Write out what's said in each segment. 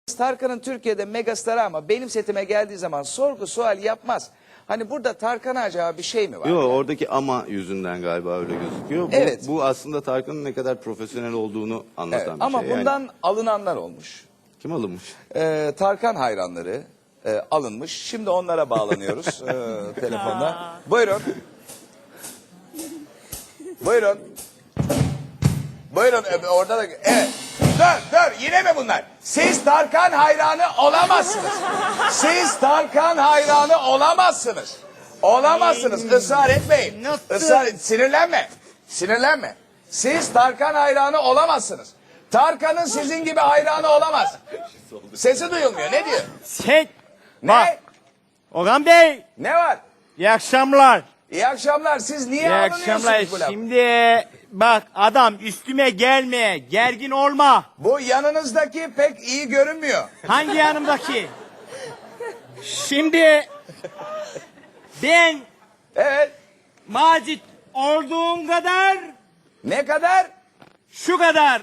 Tarkan'ın Türkiye'de megastarı ama benim setime geldiği zaman sorgu sual yapmaz. Hani burada Tarkan'a acaba bir şey mi var? Yok, oradaki ama yüzünden galiba öyle gözüküyor. Evet. Bu aslında Tarkan'ın ne kadar profesyonel olduğunu anlatan Evet, bir ama şey. Yani bundan alınanlar olmuş. kim alınmış? Tarkan hayranları alınmış. Şimdi onlara bağlanıyoruz telefonda. Buyurun. Buyurun. Buyurun orada da... Evet. Dur yine mi bunlar? Siz Tarkan hayranı olamazsınız. Siz Tarkan hayranı olamazsınız. Olamazsınız. Israr etmeyin. Sinirlenme. Sinirlenme. Siz Tarkan hayranı olamazsınız. Tarkan'ın sizin gibi hayranı olamaz. Sesi duyulmuyor. Ne diyor? Ne? Orhan Bey, Ne var? iyi akşamlar. İyi akşamlar. Siz niye İyi akşamlar. alınıyorsunuz bu laf? Şimdi bak adam üstüme gelme, gergin olma. Bu yanınızdaki pek iyi görünmüyor. Hangi yanımdaki? Şimdi ben Evet. Macit olduğum kadar Ne kadar? şu kadar.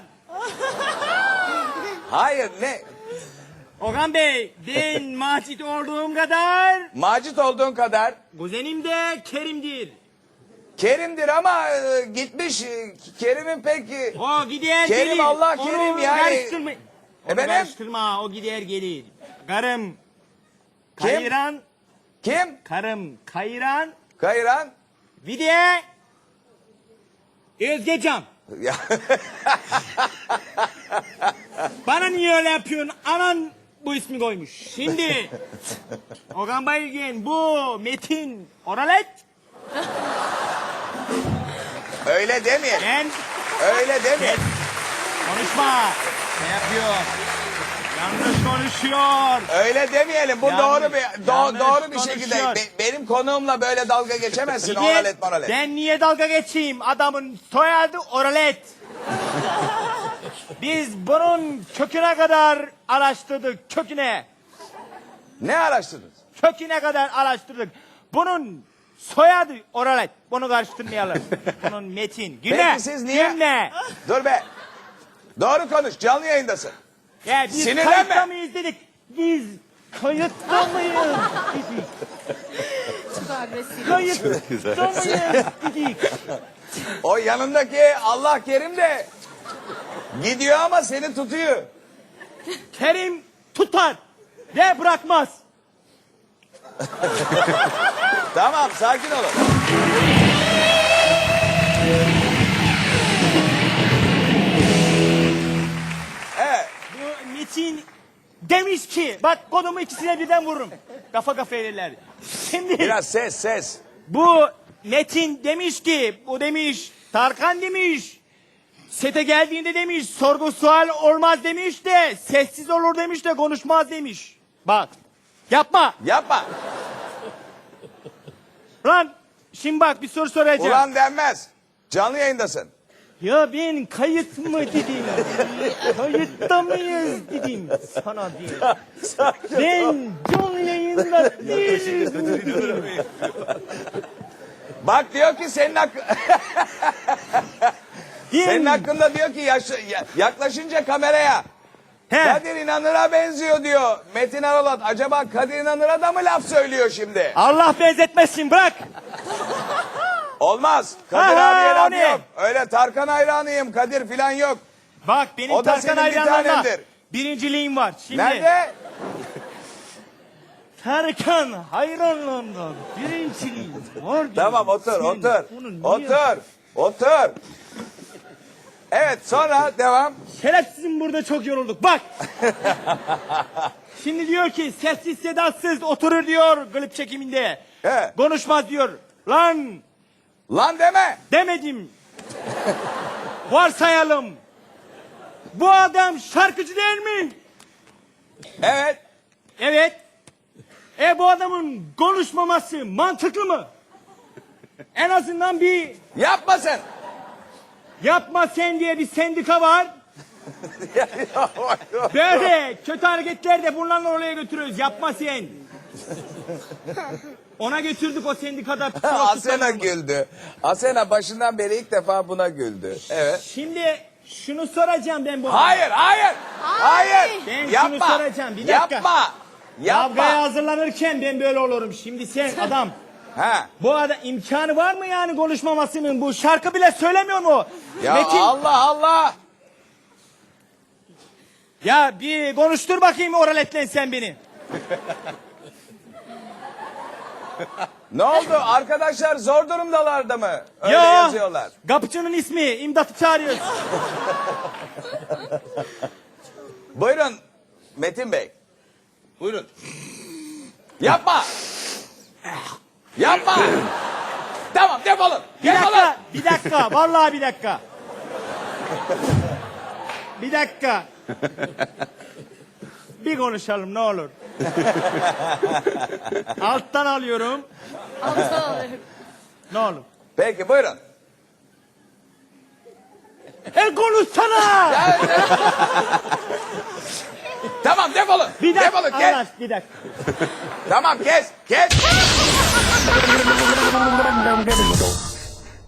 Hayır ne? Orhan Bey, ben Macit olduğum kadar Macit olduğun kadar kuzenim de Kerim'dir. Kerim'dir ama gitmiş. Kerim'in pek... O gider Kerim, gelir. Allah Onu Kerim yani. Karıştırma. Onu Efendim? karıştırma, o gider gelir. Karım Kim? Kayıran, Kim? karım Kayıran, Kayran. bir de Özgecan. Ya, Bana niye öyle yapıyorsun? Anan bu ismi koymuş. Şimdi Okan Bayülgen, bu Metin Oralet, öyle demeyin. ben Öyle demeyin. konuşma. Ne yapıyor? Yanlış konuşuyor. Öyle demeyelim. Bu Yanlış- doğru bir yanlış doğru bir şekilde. konuşuyor. Benim konuğumla böyle dalga geçemezsin. Bir de Oralet moralet. ben niye dalga geçeyim? Adamın soyadı Oralet. Biz bunun köküne kadar araştırdık. Köküne. Ne araştırdınız? Köküne kadar araştırdık. Bunun soyadı Oralet. Bunu karıştırmayalım. Bunun Metin. Güne. Peki siz niye- Güne. Dur be. Doğru konuş. Canlı yayındasın. Ya biz Sinirlenme. kayıtta mıyız dedik. Biz kayıtta mıyız dedik. Çok agresif. Kayıtta mıyız dedik. O yanındaki Allah Kerim de gidiyor ama seni tutuyor. Kerim tutar ve bırakmaz. Tamam, sakin olun. Evet. Bu Metin demiş ki, bak kodumu ikisine birden vururum. Kafa kafaya verirler. Şimdi Biraz ses. bu Metin demiş ki, bu demiş, Tarkan demiş, sete geldiğinde demiş, sorgu sual olmaz demiş de, sessiz olur demiş de, konuşmaz demiş. Bak, yapma. Yapma. Lan, şimdi bak bir soru soracağım. Ulan denmez. Canlı yayındasın. Ya ben kayıt mı dedim? Kayıtta mıyız dedim sana diye. Ben canlı yayında değilim dedim. Bak diyor ki senin senin hakkında diyor ki yaklaşınca kameraya He, Kadir İnanır'a benziyor diyor. Metin Aralat acaba Kadir İnanır'a da mı laf söylüyor şimdi? Allah benzetmesin, bırak. Olmaz. Kadir Aha, abiye o laf ne? yok. Öyle Tarkan hayranıyım Kadir filan yok. Bak benim O da Tarkan senin bir hayranlarına tanendir. birinciliğim var. Şimdi Nerede? Tarkan hayranlarından birinciliğim var. Tamam otur Sen otur. bunu niye- Otur. Evet sonra devam. Şerefsizim, burada çok yorulduk. Bak. Şimdi diyor ki sessiz sedasız oturur diyor klip çekiminde. He. Konuşmaz diyor. Lan Lan deme. demedim. Varsayalım. Bu adam şarkıcı değil mi? Evet. Evet. Bu adamın konuşmaması mantıklı mı? En azından bir Yapma sen. yapma sen diye bir sendika var. Böyle kötü hareketler de bunlarla oraya götürüyoruz. Yapma sen. Ona götürdük o sendikada. Asena güldü. Asena başından beri ilk defa buna güldü. Evet. Şimdi Şunu soracağım ben bu. Hayır, hayır. Hayır. Ben Yapma. şunu soracağım, bir dakika. Yapma. Kavgaya Yapma. hazırlanırken ben böyle olurum. Şimdi sen adam. Ha. Bu adam imkanı var mı yani konuşmamasının? Bu şarkı bile söylemiyor mu? Ya Metin. Allah Allah. Ya bir konuştur bakayım oraletlen sen beni. Ne oldu? Arkadaşlar zor durumdalarda mı? Öyle Ya, yazıyorlar. kapıcının ismi imdatı çağırıyoruz. Buyurun Metin Bey. Buyurun. Yapma. Yapma. Tamam defolun. Bir Defolun. dakika, bir dakika, vallahi bir dakika. Bir dakika. Bir konuşalım ne olur. Alttan alıyorum. Alttan alırım. Ne olur. Peki buyurun. Konuşsana! Tamam defolun. Bir dakika. Defolun kes. Arkadaş, bir dakika. Tamam kes. Kes.